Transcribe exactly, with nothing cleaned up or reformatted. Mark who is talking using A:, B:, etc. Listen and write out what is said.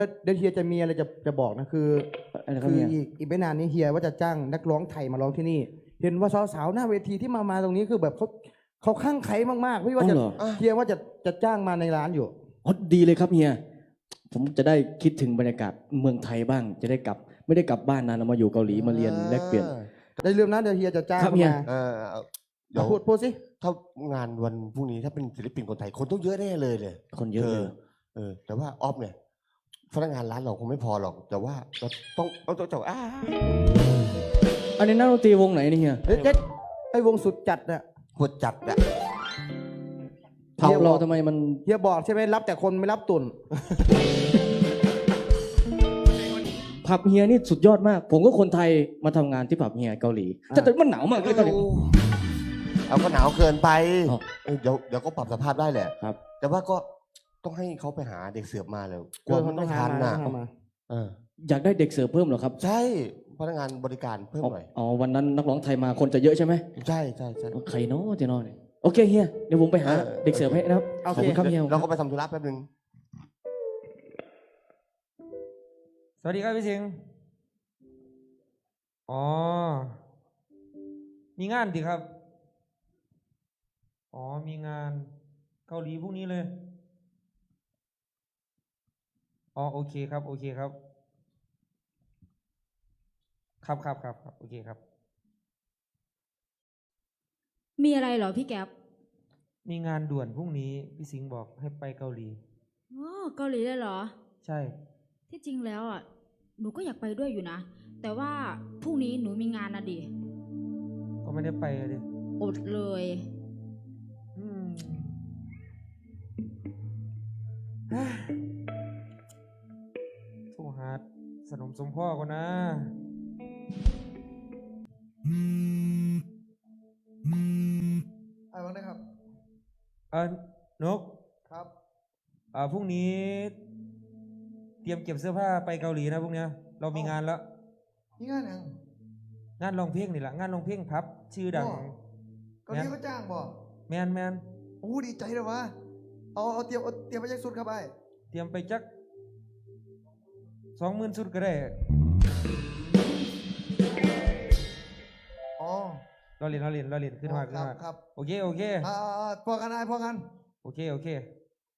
A: เดี๋ยวเฮียจะมีอะไรจะจะบอกนะคือคืออีกอีกไม่นานนี้เฮียว่าจะจ้างนักร้องไทยมาร้องที่นี่ เห็นว่าสาวๆหน้าเวทีที่มามาตรงนี้คือแบบเขาเขาข้างไขมากๆพี่ว่าจะเฮียว่าจะจะจ้างมาในร้านอยู่
B: อ๋อดีเลยครับเฮียผมจะได้คิดถึงบรรยากาศเมืองไทยบ้างจะได้กลับไม่ได้กลับบ้านนานเรามาอยู่เกาหลีมาเรียนแลกเปลี่ยน
A: ได้ลืมนะเดี๋ยวเฮียจะจ้างมาเดี๋ยวพูดพูดสิ
C: ถ้างานวันพรุ่งนี้ถ้าเป็นศิลปินคนไทยคนต้องเยอะแน่เลยเลย
B: คนเยอะเลย
C: เออแต่ว่าออฟเนี่ยพนักงานร้านเราคงไม่พอหรอกแต่ว่าเราต้องเอาตัวเจ้าอ้า
B: อันนี้นักดนตรีวงไหนนี่เฮีย
A: เจ๊ไอ้วงสุดจัดอะ
C: หัวจัดอะ
B: ผับเราทำไมมัน
A: เฮียบอกใช่ไหมรับแต่คนไม่รับตุน
B: ผับเฮียนี่สุดยอดมากผมก็คนไทยมาทำงานที่ผับเฮียเกาหลีแต่มันหนาวมากเลยตอนนี้
C: เอาก็หนาวเกินไปเดี๋ยวเดี๋ยวก็ปรับสภาพได้แหละ
B: ครับ
C: แต่ว่าก็ต้องให้เขาไปหาเด็กเสิร์ฟมาเลยกลัวมันไม่ทันนะ
B: อยากได้เด็กเสิร์ฟเพิ่มเหรอครับ
C: ใช่พนักงานบริการเพิ่มหน่อย
B: อ๋อวันนั้นนักร้องไทยมาคนจะเยอะใช่ไหม
C: ใช่ใช่ใช่
B: ใครเนาะเจนอนโอเคเฮียเดี๋ยวผมไปหาเด็กเสิร์ฟให้นะครับ
A: ขอบคุณครับเฮีย
C: เราก็ไปทำธุระแป๊บนึง
D: สวัสดีครับพี่สิงห์อ๋อมีงานดิครับอ๋อมีงานเกาหลีพรุ่งนี้เลยอ๋อโอเคครับโอเคครับครับครับครับครับโอเคครับ
E: มีอะไรเหรอพี่แก๊ป
D: มีงานด่วนพรุ่งนี้พี่สิงห์บอกให้ไปเกาหลี
E: อ๋อเกาหลีเลยเหรอ
D: ใช่
E: ที่จริงแล้วอ่ะหนูก็อยากไปด้วยอยู่นะแต่ว่าพรุ่งนี้หนูมีงานนะดิ
D: ก็ไม่ได้ไปเลย
E: อดเลย
D: อืมโทรหาสนมสมพ่อก่อนนะ
A: อะไรวะนะครับ
D: เออนก
A: ครับ
D: อ่าพรุ่งนี้เตรียมเก็บเสื้อผ้าไปเกาหลีนะพรุ่งนี้เรามีงานแล้ว
A: นี่งานยัง
D: งานร้องเพลงนี่แหละงานร้องเพลงพับชื่อดัง
A: เกาหลีเขาจ้างบ่
D: แมนแมน
A: โอ้ดีใจเลยวะเอาเอาเตรียมเตรียมไปยักสุดครับไอ้
D: เตรียมไปจักสองหมื่นสุดก็ได้
A: อ๋อ
D: เราเรียนเราเรียนเราเรียนขึ้นมาขึ้นมา
A: ครับ
D: โอเคโอเค
A: อ่าพอกันไอ้พอกัน
D: โอเคโอเค